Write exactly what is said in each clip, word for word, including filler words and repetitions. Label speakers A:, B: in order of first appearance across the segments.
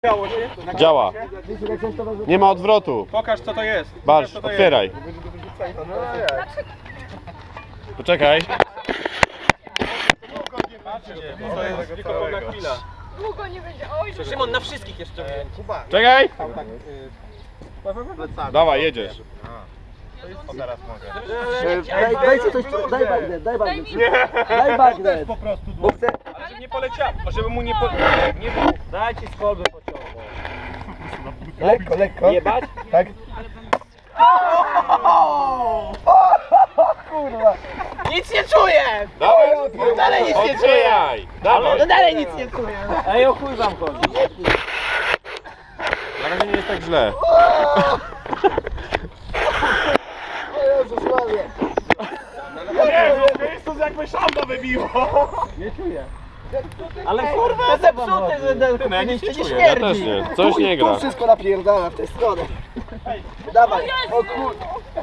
A: Działa. Nie ma odwrotu.
B: Pokaż co to jest.
A: Barsz, otwieraj. Poczekaj.
B: To jest tylko pewna chwila.
C: Długo nie będzie. Oj,
B: Szymon, na wszystkich jeszcze.
A: Czekaj. Dawaj, jedziesz.
B: O, teraz mogę.
D: Daj, dajcie coś, daj bagnet, daj bagnet. Daj bagnet.
B: Po prostu
D: Bo chcę...
B: ale żeby nie poleciał, żeby mu nie po... Nie było. Dajcie z kolby pociągu.
D: Lekko, lekko.
B: Jebać?
D: Tak. Kurwa.
C: nic nie czuję!
A: Dawaj,
C: Dalej nic nie czuję!
A: otwieraj. Dawaj.
C: No dalej nic nie czuję!
B: Ej, o chuj wam chodzi.
A: Na razie nie jest tak źle.
D: O Jezus Maria.
B: To jakby szamba wybiło.
D: Nie czuję.
B: Ale kurwa,
C: To zepsute, że
B: no ja nic nie
C: nie
B: czuję.
A: Ja
C: śmierdzi!
A: też nie. Coś nie gra.
D: Tu wszystko napierdala w tę stronę. Dawaj. O kur...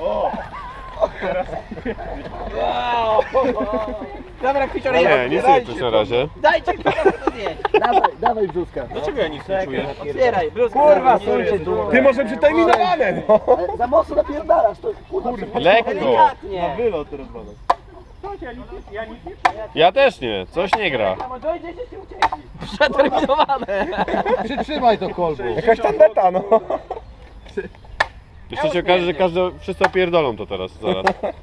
C: Dobra, Kwicior,
A: Nie, nic nie czuć na razie.
C: Dajcie Kwicior to zjeść!
D: Dawaj, dawaj brzuska.
B: Dlaczego ja nic nie czuję?
C: Otwieraj, bluzkę.
B: Kurwa,
C: stójcie tu.
B: Ty może przeterminowane, no.
D: Ale za mocno napierdalasz, to kurwa.
A: Lekko.
C: Delikatnie.
B: Wylot teraz badać.
A: Ja też nie. Coś nie gra.
C: Przeterminowane!
D: Przytrzymaj to kolbu.
B: Jakaś tandeta, no.
A: Jeszcze się okaże, że każdy, wszyscy opierdolą to teraz, zaraz.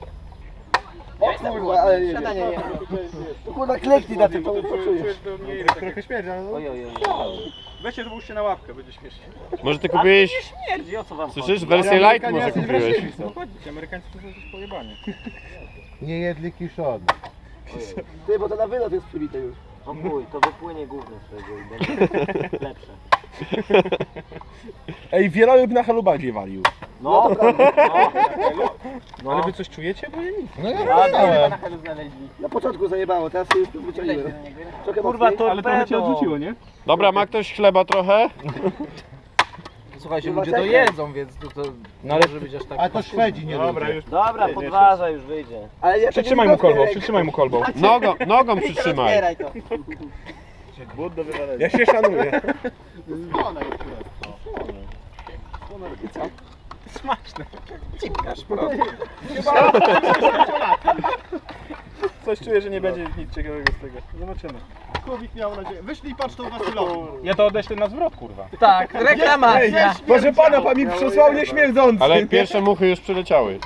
D: O kurwa, ale nie
C: Siadanie nie.
D: To kurwa kleknij na tym, to poczujesz.
B: Trochę śmierdzi, ale no.
C: Oj, oj, oj.
B: Weźcie, złóżcie na łapkę, będzie śmiesznie.
A: Może ty kupiłeś,
C: Śmierdzi, o co wam
A: słyszysz, wersję light może kupiłeś.
B: Ci Amerykańcy to są jakieś pojebanie.
E: Nie jedli kiszony.
D: Ty, bo to na wylot jest przybite już.
C: O chuj, to wypłynie gówno z tego i będzie lepsze.
B: Ej, wieloryb na halubadzie walił.
C: No, no.
B: Ale wy coś czujecie? Bo ja nic.
E: No ja
C: A,
E: wiedziałem.
C: na chelu znaleźli.
D: Na początku zajebało, teraz się już wyciągniłem. Trochę
C: Kurwa,
D: mocniej.
C: to
B: Ale trochę cię odrzuciło, nie?
A: Dobra, ma ktoś chleba trochę?
C: Słuchajcie,
D: Kurwa,
C: ludzie to
D: czekaj.
C: jedzą, więc to, to
B: No ale
C: może być aż tak.
E: A to Szwedzi nie lubią.
B: już.
C: Dobra, podważa, już wyjdzie.
D: Ale ja
B: Przytrzymaj mu kolbą, przytrzymaj mu kolbą.
A: Nogą, nogą przytrzymaj.
C: Otwieraj to.
B: Ja się szanuję. Smaczne. Coś czuję, że nie będzie nic ciekawego z tego. Zobaczymy.
E: Człowiek miał nadzieję. Wyślij paczką Wasylowi.
B: Ja to odeślę na zwrot, kurwa.
C: Tak, reklamacja.
B: Proszę pana, pan mi przysłał nieśmierdzący.
A: Ale pierwsze muchy już przyleciały.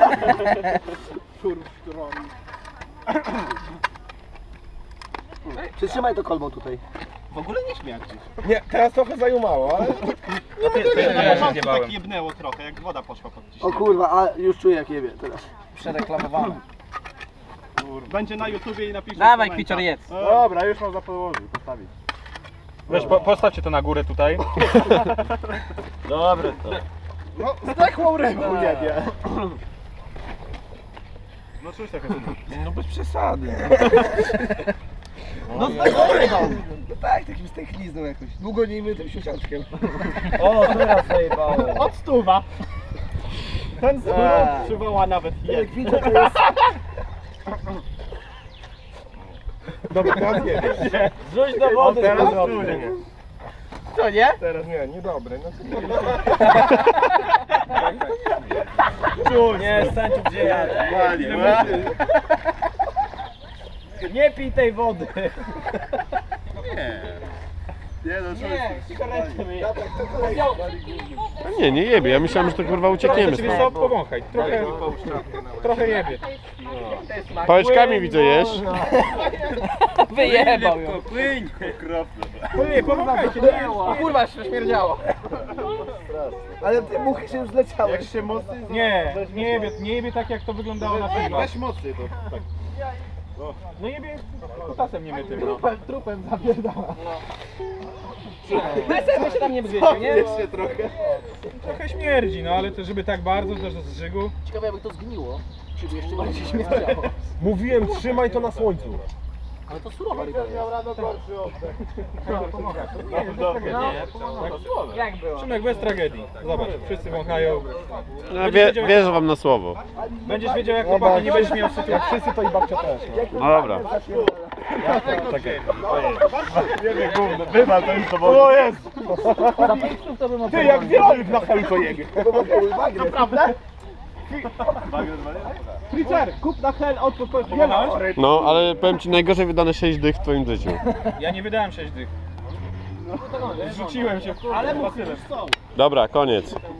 D: Przytrzymaj to kolbą tutaj.
C: W ogóle nie śmierdzi.
B: Nie, teraz trochę zajumało, ale...
E: Na początku tak jebnęło trochę, jak woda poszła pod
D: O
E: ciśnienie.
D: kurwa, a już czuję jak jebie teraz.
C: Przereklamowane.
E: Będzie na YouTubie i napiszę
C: Dawaj,
E: komentarz.
C: Kwicior, jedz.
B: Dobra, już można położyć, postawić. Weź, po, postawcie to na górę tutaj.
C: Dobre to.
B: No, zdechłą rybą jebie. No cóż tak
C: No bez przesady.
D: No zdechłeś No tak, takim stęchlizną jakoś. Długo nie mytym siusiaczkiem.
C: O, teraz zajebało.
E: Od stuwa. Ten zwrót
C: Eee.
E: przywoła nawet
D: Jak
E: jed.
D: widzę to jest...
B: Dobra, teraz nie.
C: Rzuć do wody.
B: Teraz
C: z powrotem.
B: czuję.
C: Co, nie?
B: Teraz nie, niedobre. No,
C: Nie, stań tu gdzie ja. Nie pij tej wody.
E: Nie no,
C: Nie, cigaretkę mi.
A: A nie, nie jebie. Ja myślałem, że to kurwa uciekniemy
B: Ciebie
A: stąd.
B: co, powąchaj. Trochę, trochę jebie.
A: Pałeczkami widzę jesz.
C: Wyjebał ją.
B: Nie, powąchajcie, nie
C: O kurwa, się śmierdziało.
D: Ale te muchy się już zleciały.
E: Jak się mocniej...
B: Nie, nie jebie, nie jebie tak jak to wyglądało na filmach.
E: Weź mocniej to. Tak.
B: No jebie kutasem nie mytym. No.
D: Trupem, trupem zapierdala.
C: My się tam nie brzmiecie, nie?
E: Jeszcze trochę.
B: Trochę śmierdzi, no ale to żeby tak bardzo też do zżygu.
D: Ciekawe jakby to zgniło. Czy jeszcze bardziej śmierdziało.
B: Mówiłem, trzymaj to na słońcu.
D: Ale to surowa ryba jest.
C: Jak było?
B: Szymek, bez tragedii. Zobacz, wszyscy wąchają.
A: No, wie, wierzę wam na słowo.
B: Będziesz wiedział jak chłopaki, nie będziesz miał sytuacji. Jak wszyscy to i babcia też.
A: No dobra.
B: Czekaj. Jebie gówno, wywal to już to było. O jest!
D: Za pięć sztuk to bym
B: Ty jak wieloryb na helu to jebie.
E: Naprawdę?
B: Freezer, kup na hel, odpór, wieloryb.
A: No, ale powiem ci, najgorzej wydane sześć dych w twoim życiu.
B: Ja nie wydałem sześć dych. Zrzuciłem się w kurwa. Ale
E: Już są.
A: Dobra, koniec.